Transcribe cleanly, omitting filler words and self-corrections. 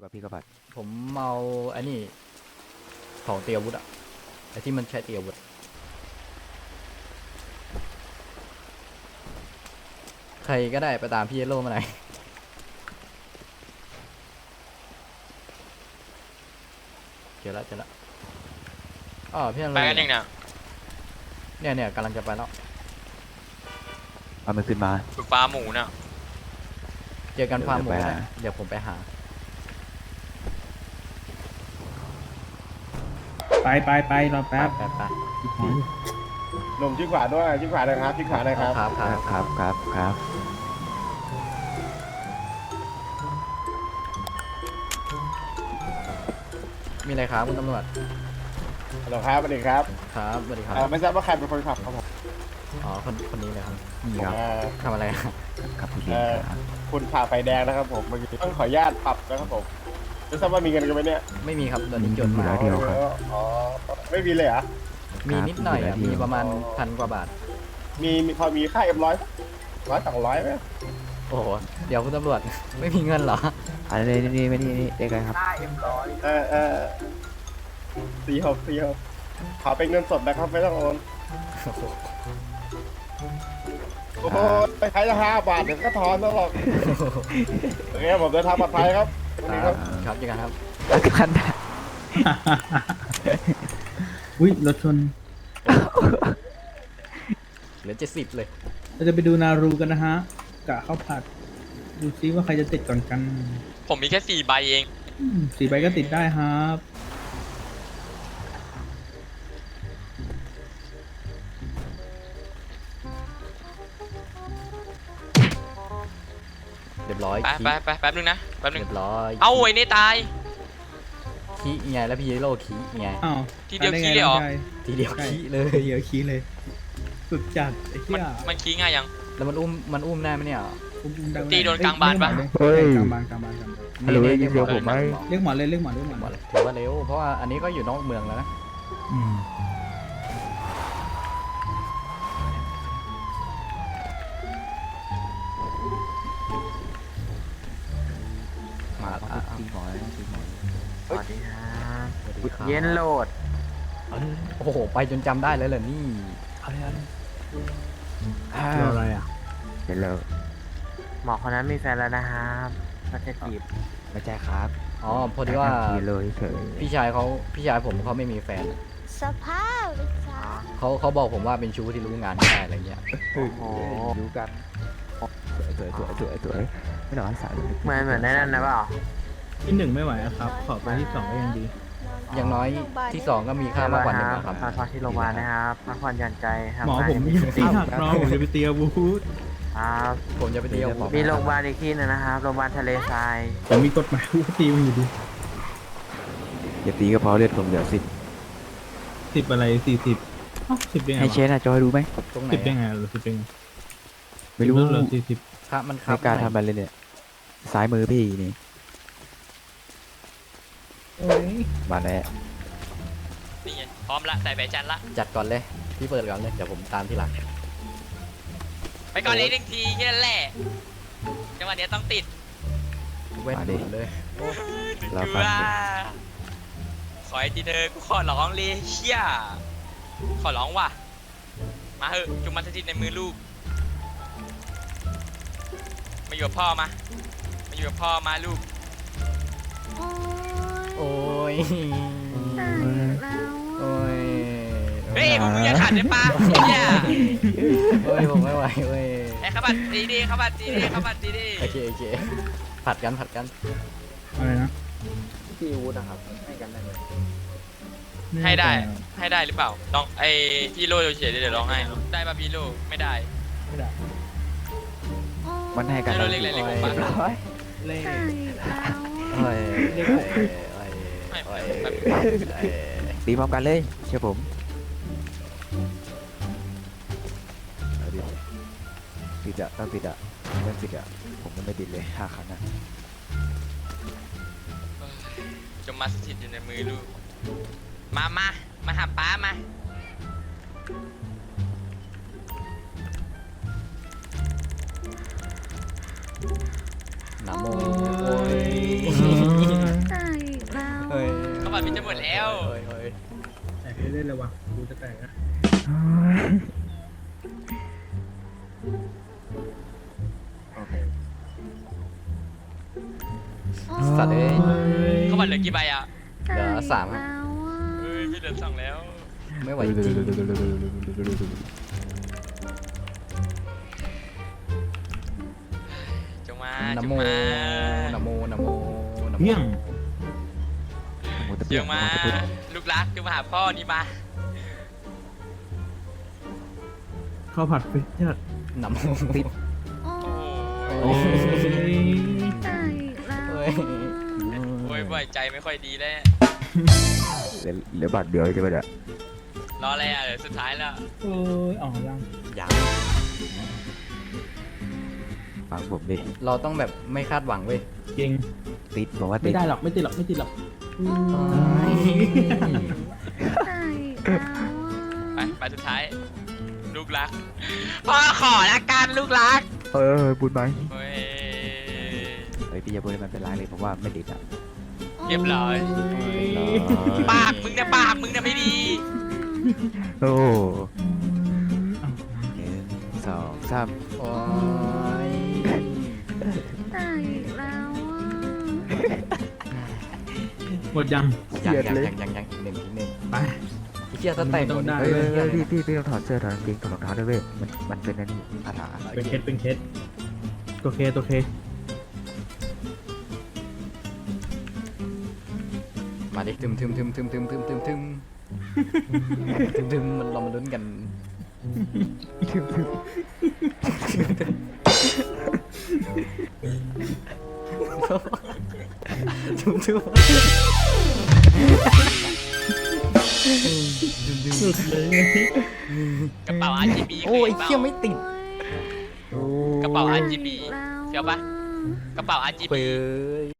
กับพี่กบัดผมเอาอันนี้ของเตรียมอาวุธอะไอที่มันใช้เตรียมอาวุธใครก็ได้ไปตามพี่เยลโล่มาหน่อยเจอแล้วอ๋อพี่นั่นไปเลยกันยังเนี่ยเนี่ยกำลังจะไปแล้วเอามันขึ้นมาฝึกปลาหมูเนี่ยเจอกันฟาร์มหมูเดี๋ยวไปนะหาเดี๋ยวผมไปหาไปรอแป๊บไปหนุ่มชิดขวาด้วยชิดขวาเลยครับชิดขวาเลยครับครับครับมีอะไรครับคุณตำรวจฮัลโหลครับสวัสดีครับครับสวัสดีครับไม่ทราบว่าใครเป็นคนขับครับผมอ๋อคนนี้เลยครับนี่ครับทำอะไรอะครับพี่เลี้ยงครับคุณผ่าไฟแดงนะครับผมเมื่อกี้ต้องขออนุญาตปรับนะครับผมไม่ทราบว่ามีเงินกันไหมเนี่ยไม่มีครับตอนนี้จดมาเดียวครับอ๋อไม่มีเลยเหรอมีนิดหน่อยอะครับมีประมาณ1,000 กว่าบาทมีพอมีค่าM100 100 200ไหมโอ้โหเดี๋ยวคุณตำรวจ ไม่มีเงินเหรออันนี้นี่เด็กกันครับ 46ขอเป็นเงินสดนะครับไม่ต้องโอนโอ้โหไปใช้ละ5 บาทเดี๋ยวก็ทอนแล้วหรอกโอเคผมเดินทางปลอดภัยครับสวัสดีครับครับเจอกันครับกันอุ้ยรถชนเหลือ70เลยเราจะไปดูนารูกันนะฮะกะข้าวผัด ดูซิว่าใครจะติดก่อนกันผมมีแค่4 ใบเอง 4 ใบก็ติดได้ครับเรียบร้อยไปแป๊บนึงนะแป๊บนึงเรียบร้อยเอาไอ้นี่ตายขี้ไงแล้วพี่เยลโล่ขี้ไงอ้าวทีเดียวได้ขี้ไงเลยเหรอน้งชาทีเดียวใช่ขี้เลยเดี๋ยวขี้เลยสุดจัดไอ้เหี้ยมันขี้ง่ายยังแล้วมันอุ้มได้ไหมเนี่ยอุ้มได้ไหมตีโดนกลางบานปะเฮ้ยกลางบานฮัลโหลได้ยินเสียงผมไหมเรียกหมอเลยหมดเลยถือว่าเร็วเพราะว่าอันนี้ก็อยู่นอกเมืองแล้วนะอืมมาอ่ะตีหมอตีหมอสวัสดีครับสวัสดีครับเย็นโหลดโอ้โหไปจนจำได้เลยเหรอนี่รออะไรอ่ะเดี๋ยวเราหมอคนนั้นมีแฟนแล้วนะครับก็จะจีบไม่ใช่ครับอ๋อพอดีว่าทีเลยเฉยพี่ชายผมเขาไม่มีแฟนสภาพเลยจ้าเขาบอกผมว่าเป็นชู้ที่รู้งานไม่ได้อะไรเงี้ยโอ้โหรู้กันสวยไม่หนอนสาวเหมือนในนั้นนะเปล่าที่1ไม่ไหวอะครับ ขอไปที่2ก็ยังดีอย่างน้อยที่สองก็มีค่ามากกว่า1นะครับพักที่โรงพยาบาลนะครับพักผ่อนหย่อนใจทำหมองานผมให้ยังตีหักน้องผมจะไปตีอาวุธครับผมจะไปเที่ยวมีโรงพยาบาลอีกที่หนึงนะครับโรงพยาบาลทะเลทรายแต่มีกฎหมายว่าตีมันอยู่ดีอย่าตีก็พอเลือดผมเหลือ 10อะไร40อ้าว10ได้ไงให้เชวะนอะจอยดูไหมตรงไหน 10ได้ไงหรือ10ได้ไงไม่รู้เหลือ40 ครับมันครัไม่บกล้าทำอะไรเลยเนี่ยซ้ายมือพี่นี่โอ้ยมาแล้วนี่ไงพร้อมละใส่ใบจันละจัดก่อนเลยพี่เปิดก่อนเลยเดี๋ยวผมตามที่หลังไปก่อนเลย1 ทีแค่นั้นแหละจังหวะเนี้ยต้องติดเว้นหนุนเลยเราเกลืฟังอขอไอ้ทีเธอกูขอร้องเลยเชี่ยขอร้องว่ะมาเถอะจุงมันสถิตในมือลูกมาอยู่กับพ่อมาอยู่กับพ่อมาลูกโอ้ยแล้วโอ้ยเฮ้ยมึงอย่าขัดได้ปะเนี่ยโอ้ยผมไม่ไหวเว้ยไอ้ขบัดดีๆขบัดดีๆขบัดดีโอเคผัดกันอะไรนะที่อาวุธนะครับให้กันได้ไหมๆให้ได้หรือเปล่าลองไอ้พี่โลเฉยๆเดี๋ยวลองให้ได้ป่ะพี่โลไม่ได้ไม่ได้มันให้กันให้เราเรียกอะไรเรียกผมปะร้อยเล่ใช่แล้วโอ้ยไม่โอ้ยแบบตีพร้อมกันเลยเชื่อผมเอาดิติดอะต้องติดอะเรื่องติดอะผมยังไม่ติดเลย5 ครั้งอะจงมาสถิตอยู่ในมือลูกมาหาป้ามานะโมโอ้ยบัตรมันจะหมดแล้วเฮ้ยเฮ้ยแตกเล่นๆเลยวะดูจะแตกนะโอเคสัตว์เอ้ยเขาบัตรเหลือกี่ใบอ่ะเหลือสามครับแล้วอ่ะเฮ้ยพี่เหลือ2แล้วไม่ไหวจริงจงมานะจงโมมานะโมนะโมนะโมเพี้ยงหมูตะจเปียกงหมามูตะพุดลูกรักจงมาหาพ่อนี่มาข้าวผัดฟิชเชอร์นะโมปิดโอ้โอ้โอ้ยตายอีกแล้วเฮ้ยโอ้ยบ่อยใจไม่ค่อยดีแล้วเหลือบาทเดียวใช่ไหมเนี่ยรออะไรอ่ะเดี๋ยวสุดท้ายแล้วโอ้ยอ๋อยังยังฟังผมดิเราต้องแบบไม่คาดหวังเว้ยเก่งติดบอกว่าไม่ติดได้หรอกไม่ติดหรอกไม่ติดหรอกตายอีกแล้วอ่ะไปสุดท้าย ลูกรักพ่อขอละกันลูกรักพูดไหมเฮ้ยเฮ้ยพี่อย่าพูดให้มันเป็นไรเลยผมว่าไม่ติดอ่ะเรียบร้อย ปากมึงเนี่ยปากมึงเนี่ยไม่ดีโอ้หนึ่งสองสามโอ้ยตายอีกแล้วอ่ะหมดยังยังอีกหนึ่งอีกหนึ่งไปไอ้เชี่ยถ้าแต่งต้องได้เฮ้ยเฮ้ยพี่ต้องถอดเสื้อถอดกางเกงถอดรองเท้าด้วยเว้ยมันเป็นอันนี้ภาษาเป็นเคสเป็นเคสตัวเคตัวเคมาดิทึมมันเรามาลุ้นกันทึมสุดเลยกระเป๋า RGB โอ้ยเคเชี่ยไม่ติดกระเป๋า RGB เฟี้ยวปะกระเป๋า RGB เฟ้ย